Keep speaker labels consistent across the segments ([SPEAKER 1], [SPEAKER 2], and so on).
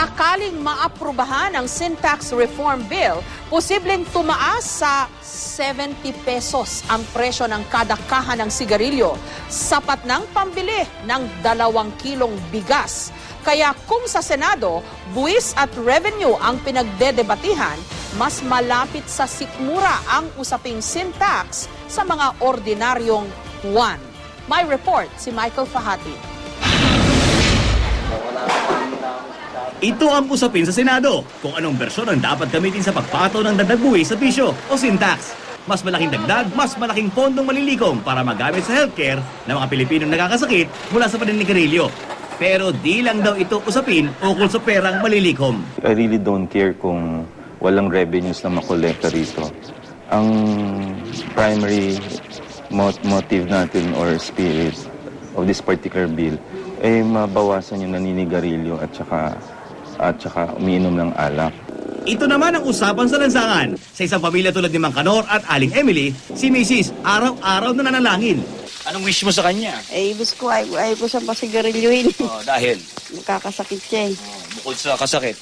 [SPEAKER 1] Sakaling maaprubahan ang Sin Tax Reform Bill, posibleng tumaas sa 70 pesos ang presyo ng kada kaha ng sigarilyo. Sapat ng pambili ng 2 kilong bigas. Kaya kung sa Senado, buwis at revenue ang pinagdedebatihan, mas malapit sa sikmura ang usaping sin tax sa mga ordinaryong Juan. May report si Michael Fahati.
[SPEAKER 2] Ito ang usapin sa Senado kung anong bersyon ang dapat gamitin sa pagpataw ng dagdag buwis sa bisyo o sin tax. Mas malaking dagdag, mas malaking pondong malilikom para magamit sa healthcare ng mga Pilipinong nakakasakit mula sa paninigarilyo. Pero di lang daw ito usapin ukol sa perang malilikom.
[SPEAKER 3] I really don't care kung walang revenues na makolekta rito. Ang primary motive natin or spirit of this particular bill ay mabawasan yung naninigarilyo at saka umiinom ng alak.
[SPEAKER 2] Ito naman ang usapan sa lansangan. Sa isang pamilya tulad ni Mang Kanor at Aling Emily, si Mrs. araw-araw na nanalangin.
[SPEAKER 4] Anong wish mo sa kanya?
[SPEAKER 5] Ibig ko, ayaw ko siyang pasigarilyuhin.
[SPEAKER 4] Oh, dahil?
[SPEAKER 5] Nakakasakit siya eh.
[SPEAKER 4] Bukod sa kasakit.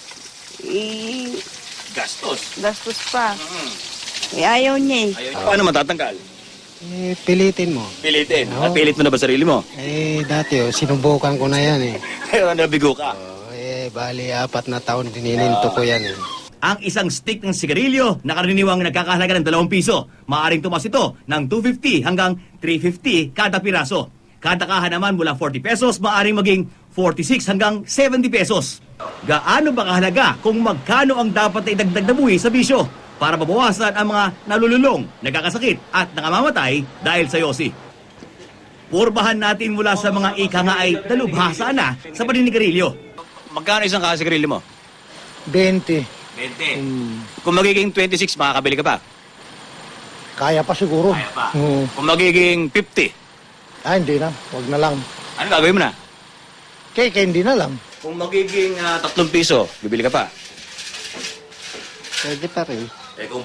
[SPEAKER 5] Gastos pa. Ayaw niya eh.
[SPEAKER 4] Paano matatanggal?
[SPEAKER 6] Pilitin mo.
[SPEAKER 4] Pilitin?
[SPEAKER 6] Oo.
[SPEAKER 4] Pilit mo na ba sarili mo?
[SPEAKER 6] Dati sinubukan ko na yan eh.
[SPEAKER 4] Pero nabigo ka?
[SPEAKER 6] Bali 4 na taon dinininto ko yan eh.
[SPEAKER 2] Ang isang stick ng sigarilyo na karaniwang nagkakahalaga ng 2 piso. Maaring tumas ito ng 250 hanggang 350 kada piraso. Kada kaha naman mula 40 pesos, maaring maging 46 hanggang 70 pesos. Gaano ba kahalaga kung magkano ang dapat na idagdag na buwis sa bisyo para mabawasan ang mga nalululong, nagkakasakit at nakamamatay dahil sa yosi? Purbahan natin mula sa mga ika nga ay dalubhasa na sa paninigarilyo.
[SPEAKER 4] Magkano isang kasigarilyo mo?
[SPEAKER 6] 20.
[SPEAKER 4] 20. Kung magiging 26, makakabili ka pa?
[SPEAKER 6] Kaya pa siguro.
[SPEAKER 4] Kaya pa. Kung magiging 50?
[SPEAKER 6] Hindi na. Huwag na lang.
[SPEAKER 4] Ano gagawin mo na?
[SPEAKER 6] Kaya hindi na lang.
[SPEAKER 4] Kung magiging 3 piso, bibili ka pa?
[SPEAKER 6] Pwede pa rin.
[SPEAKER 4] Kung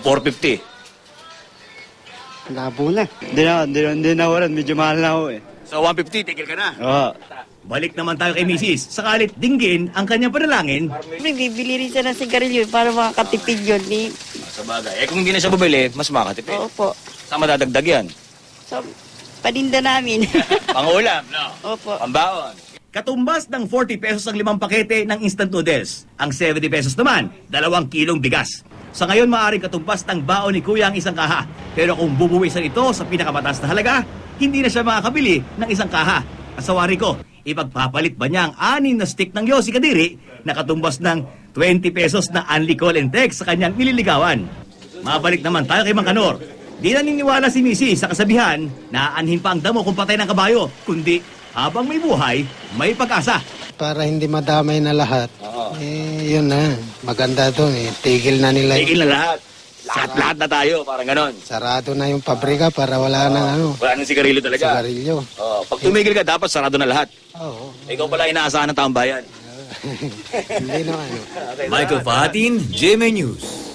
[SPEAKER 4] 450?
[SPEAKER 6] Labo na.
[SPEAKER 7] Hindi na waran. Medyo mahal na ako eh.
[SPEAKER 4] So 150, tigil ka na?
[SPEAKER 7] Oo.
[SPEAKER 2] Balik naman tayo kay Mrs. Sakalit dinggin ang kanyang panalangin.
[SPEAKER 5] Bibili rin siya ng sigarilyo para makakatipid yun.
[SPEAKER 4] Sa bagay. Kung hindi na siya bumili, mas makakatipid.
[SPEAKER 5] Opo.
[SPEAKER 4] Saan madadagdag yan?
[SPEAKER 5] So, paninda namin.
[SPEAKER 4] Pangulam, no?
[SPEAKER 5] Opo.
[SPEAKER 4] Pambaon.
[SPEAKER 2] Katumbas ng 40 pesos ang 5 pakete ng instant noodles. Ang 70 pesos naman, 2 kilong bigas. Sa ngayon, maaaring katumbas ng baon ni Kuya ang isang kaha. Pero kung bubuwisan ito sa pinakamataas na halaga, hindi na siya makakabili ng isang kaha. At sa wari ko, ipagpapalit ba niya ang 6 na stick ng Yossi Kadiri na katumbas ng 20 pesos na unli call and text sa kanyang nililigawan? Mabalik naman tayo kay Mang Kanor. Di naniniwala si Missy sa kasabihan na aanhin pa ang damo kung patay ng kabayo, kundi habang may buhay, may pag-asa.
[SPEAKER 6] Para hindi madamay na lahat. Yun na. Maganda doon eh. Tigil na nila.
[SPEAKER 4] Tigil na lahat. Lahat na tayo, parang ganon.
[SPEAKER 6] Sarado na yung pabrika para wala nang
[SPEAKER 4] Wala nang sigarilyo talaga.
[SPEAKER 6] sigarilyo.
[SPEAKER 4] Pag tumigil ka, dapat sarado na lahat.
[SPEAKER 6] Oo.
[SPEAKER 4] Ikaw pala inaasahan ng taong bayan.
[SPEAKER 6] Hindi naman.
[SPEAKER 2] Michael Fahatin, GMA News.